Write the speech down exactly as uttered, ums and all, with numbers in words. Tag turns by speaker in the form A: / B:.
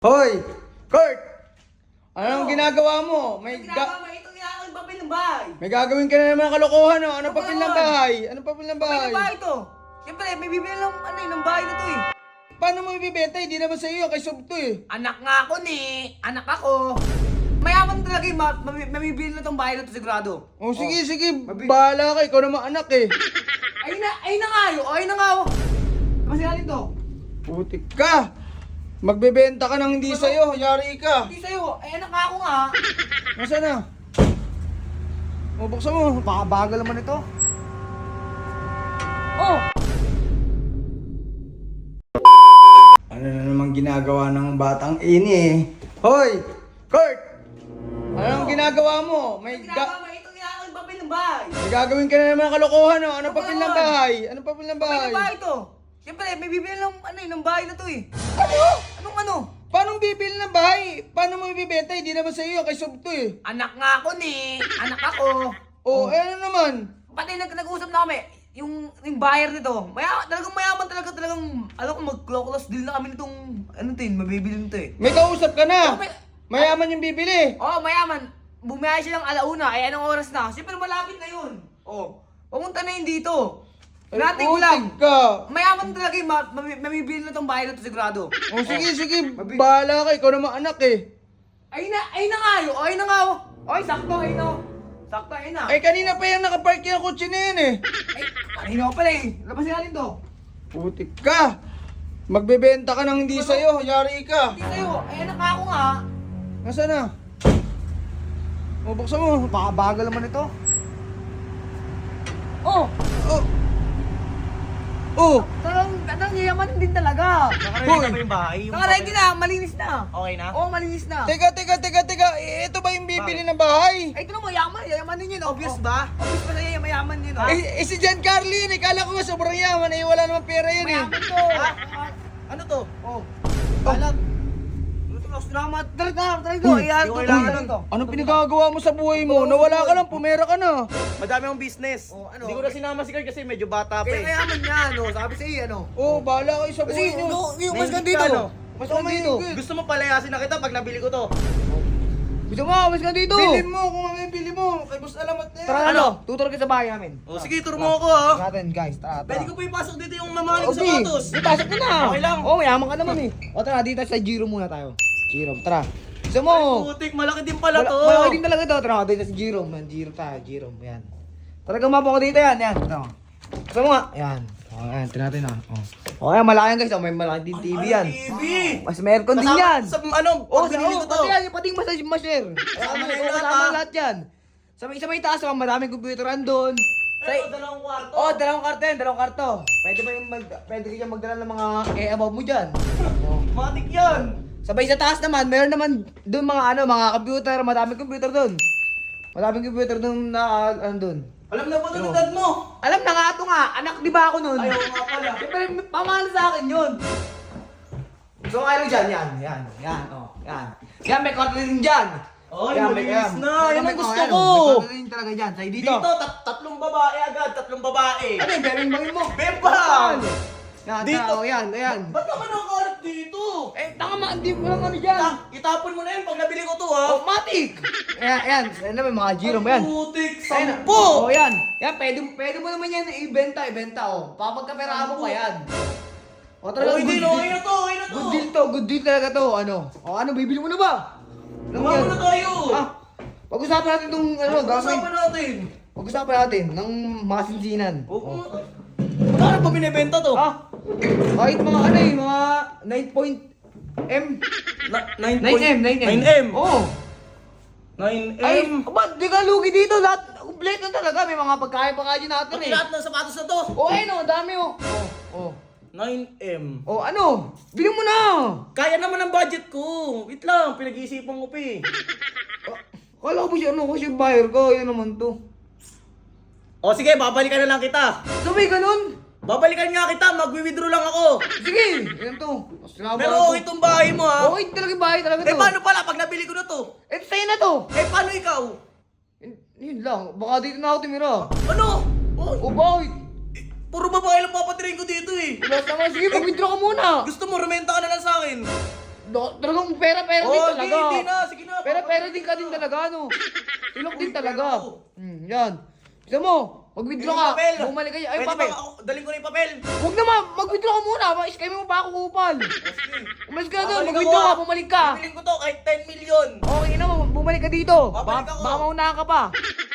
A: Hoy! Kurt! Anong ginagawa mo? May,
B: Ginagawa
A: ga-
B: mo, itong ginagawa yung papel ng bahay.
A: may gagawin ka na naman kalokohan, no? Ano
B: Ano
A: papel
B: ba
A: ng
B: naman?
A: bahay? Ano papel ng
B: Papel
A: bahay?
B: ng bahay to. Siyempre, may bibili ng, ano, eh, ng bahay na to eh.
A: Paano mo ibibenta? Hindi naman sa iyo, kay Subto eh.
B: Anak nga ako ni, anak ako. Mayaman talaga yung ma- mami- mamibili na tong bahay na to sigurado.
A: O sige, sige,
B: mabi-
A: bahala ka, ikaw naman anak eh.
B: Ayun na, ayun na nga yun, ayun na nga oh. Kasi natin to.
A: Putik ka! Magbebenta ka ng hindi sa'yo, yari ka.
B: Hindi sa'yo, ay anak nga ako nga.
A: Nasaan na? O, buksan mo.
B: Bakabagal naman ito. Oh!
A: Ano na naman ginagawa ng batang ini eh? Hoy! Kurt! Anong ginagawa mo? May,
B: Ginagawa
A: ga-
B: mo, itong ginagawa yung papel ng bahay.
A: may gagawin ka na naman kalokohan, no? Ano
B: Ano
A: papel
B: ba
A: ng
B: naman?
A: bahay? Ano papel ng
B: Papel
A: bahay?
B: ng bahay to. Siyempre, may bibili ng, ano eh, ng bahay na to eh.
A: Ano?
B: Anong ano?
A: Paano bibili ng bahay? Paano mo ibibenta? Hindi naman sa iyo, kay Subto eh.
B: Anak nga ako ni, anak ako.
A: O, eh, ano naman?
B: Pati nag nag-usap na kami, yung, yung buyer nito, maya, talagang mayaman talaga, talagang, alam ko, mag-close deal na kami nitong, ano tin, mabibili nito eh.
A: May kausap ka na.
B: Oh, may-
A: Mayaman yung bibili.
B: Oo, oh, mayaman. Bumiyay siya ng alauna, ay anong oras na? Siyempre malapit na yun. Oo. Oh, pumunta na yun dito. Natin ko lang.
A: Putik ka.
B: Mayaman talaga yung ma- mami- mamibili na tong bahay na to sigurado.
A: O, sige, sige,
B: Mabi-
A: bahala ka, ikaw naman anak eh.
B: Ay na, ay na nga yun, ay na nga oh. Ay, sakto, ay na. Sakto, ay na.
A: Eh, kanina pa yung nakapark yung kotse na yan eh.
B: Ay, kanina ko pala eh. Labasin natin to.
A: Putik ka. Magbebenta ka ng hindi sa'yo, yari ka.
B: Hindi sa'yo, ay anak ako nga.
A: Nasaan na? O, buksan mo.
B: Bakabagal naman ito. Oh,
A: Oh. Oh.
B: talagang, talagang yaman din talaga.
A: Hoy.
C: Nakaready na ba yung bahay? Yung
B: Nakaready na, malinis na.
C: Okay na?
B: Oo, malinis na.
A: Teka, teka, teka, teka. Eh, ito ba yung bibili ng bahay?
B: Ay, ito na mayaman, yayaman din yun. Obvious ba? Obvious ba na yan, mayaman yun. Oh.
A: Eh, eh, si Giancarlo yun eh. Kala ko nga sobrang yaman eh. Wala namang pera yun eh.
B: Mayaman to.
C: Ha? Ano to?
B: Oh.
C: Alam.
B: Close na naman. Tara, tara, tara ito.
A: Uy,
B: Ayan,
C: yung
B: to.
C: kailangan
B: Ayan, to.
A: Anong pinagagawa mo sa buhay mo? Nawala ka lang, pumera ka na.
C: Madami akong business.
B: Oh, ano?
C: Hindi ko na sinama si Kurt kasi medyo bata pa
B: Kaya
C: eh.
B: mayaman niya, no? Sabi sa'yo, ano?
A: Oh, bahala kayo sa
B: Kasi,
A: buhay nyo.
B: yung, yung mas
C: Nahingit
B: dito.
C: ka, no?
B: Mas
A: Oh,
B: dito.
A: mahigit.
C: Gusto mo palayasin na kita pag nabili ko to.
B: Gusto mo, mas dito.
A: Bilhin mo kung ano yung bili mo. Kay Boss Alamat na yan.
B: Tara, ano? Tuturo kita sa bahay namin.
C: O sige, turo mo ako ha.
B: Tara natin, guys. Tara, tara.
C: Pwede ko pa ipasok dito yung mamahaling
B: Okay,
C: sapatos.
B: ipasok mo na.
C: Okay lang.
B: Oo, mayaman ka naman eh. O tara, dito sa Giro muna tayo. Giro, tara. Gusto mo?
C: Ay, putik, malaki din pala to.
B: Malaki din talaga to. Tara, dito sa Giro. Man, Giro tayo, Giro. Yan. Talagang mapo ko dito yan. Yan. Ito. Gusto mo nga? Yan. O, yan. Tingnan natin ha. O. O, yan. Malaki yan guys. O, may malaki din T V yan.
C: T V.
B: Mas may aircon din
C: Kasama
B: yan.
C: Sa ano,
B: Oh,
C: pag binili ko to.
B: Pati yan, pati yung massage ma-share.
C: Kasama
B: Kasama
C: na
B: na
C: yung lahat,
B: kasama
C: ha?
B: lahat yan. Sa may, sa may taas, oh, maraming computeran doon. Sa,
C: Ito, dalawang kwarto.
B: oh, dalawang karto yan, dalawang karto. Pwede ba yung mag, pwede ka magdala ng mga e-above mo dyan? Oh.
C: Matik yan.
B: Sabay sa taas naman, meron naman doon mga ano, mga computer, madaming computer doon. Madaming computer doon na ano doon.
C: Alam na ba ito ng dad mo?
B: Alam na nga ito nga, anak di ba ako noon?
C: Ayaw nga pala.
B: Siyempre, pamahal sa akin yun. So, kayo dyan, yan, yan, yan, oh, yan. Yan, may kwarto din dyan.
C: Ay,
B: Yan,
C: malinis
B: yan.
C: na. Yan ang
B: May-
C: gusto
B: oh, yan,
C: ko.
B: oh, May kwarto din talaga dyan, sa'yo dito.
C: Dito, tat tatlong babae agad, tatlong babae.
B: Ano yung bering-bangin mo?
C: Bebang!
B: Yan,
C: Dito.
B: dito. Oh, yan, yan.
C: Ba't naman nakakarap dito?
B: Eh, tanga ma, hindi mo lang ano dyan.
C: Ta, itapon mo na yan pag nabili ko to ha.
B: Oh, matik! Ayan, ayan. Ayan naman, mga Giro mo yan.
C: Putik,
B: Ayan,
C: sampo!
B: Oh, yan. Yan, pwede, pwede mo naman yan ibenta, ibenta, oh. Papagkaperahan mo pa yan. O,
C: Oh, hindi,
B: good
C: no,
B: deal.
C: okay na to, okay na to.
B: Good deal to, good deal talaga to. Ano? O, ano, bibili mo na ba? Ano mo
C: Gawa
B: yan?
C: mo na tayo.
B: Ah, pag-usapan natin itong, ano, gagawin.
C: Pag-usapan natin.
B: Pag-usapan natin ng mga sinsinan.
C: Oh. Magkano pa binibenta to?
B: Ah, kahit mga ano eh, mga nine point M.
C: Na- nine
B: nine M, nine M.
C: nine M.
B: Oo.
C: nine
B: Ay,
C: M.
B: ba't di ka lugi dito? Lahat, complete na talaga. May mga pagkain pa kayo natin
C: Pati
B: eh.
C: lahat ng sapatos na to.
B: Oh, ayun oh, dami oh. Oh, oh.
C: nine M.
B: Oh, ano? Bili mo na!
C: Kaya naman ang budget ko. Wait lang, pinag-iisipan ko pa eh.
B: Kala ko ba siya, ano, kasi buyer ko, yan naman to.
C: O sige, babalikan na lang kita.
B: So, may ganun?
C: Babalikan nga kita, magwi-withdraw lang ako.
B: Sige, yan to. Salamat
C: Pero
B: to.
C: okay itong bahay mo ha.
B: Okay talaga yung bahay talaga to.
C: Eh paano pala pag nabili ko na to?
B: Eh, sa'yo na to.
C: Eh paano ikaw?
B: Yun, yun lang, baka dito na ako tumira.
C: Ano? Oh,
B: O, bakit?
C: puro babae lang papatirain ko dito eh.
B: Wala naman, sige, mag-withdraw ka muna.
C: Gusto mo, rumenta ka na lang sa akin.
B: do- talagang pera-pera din
C: Oh,
B: talaga.
C: hindi, hindi na. Sige na.
B: Pera-pera din ka din talaga, no? Ilok din talaga. Hmm, yan. Gusto mo, mag-withdraw ka.
C: Yung papel.
B: Bumalik kayo. Ay,
C: Pwede
B: papel.
C: ba ako, daling ko na yung papel.
B: Huwag naman, mag-withdraw ka muna. Ma-scam mo pa ako kupal. Umalis ka na doon,
C: Babalik
B: mag-withdraw
C: ako,
B: ka,
C: ah.
B: bumalik ka.
C: Bibiling ko to kahit ten million.
B: Okay na, bumalik ka dito.
C: Babalik
B: Baka,
C: ako.
B: baka maunahan ka pa.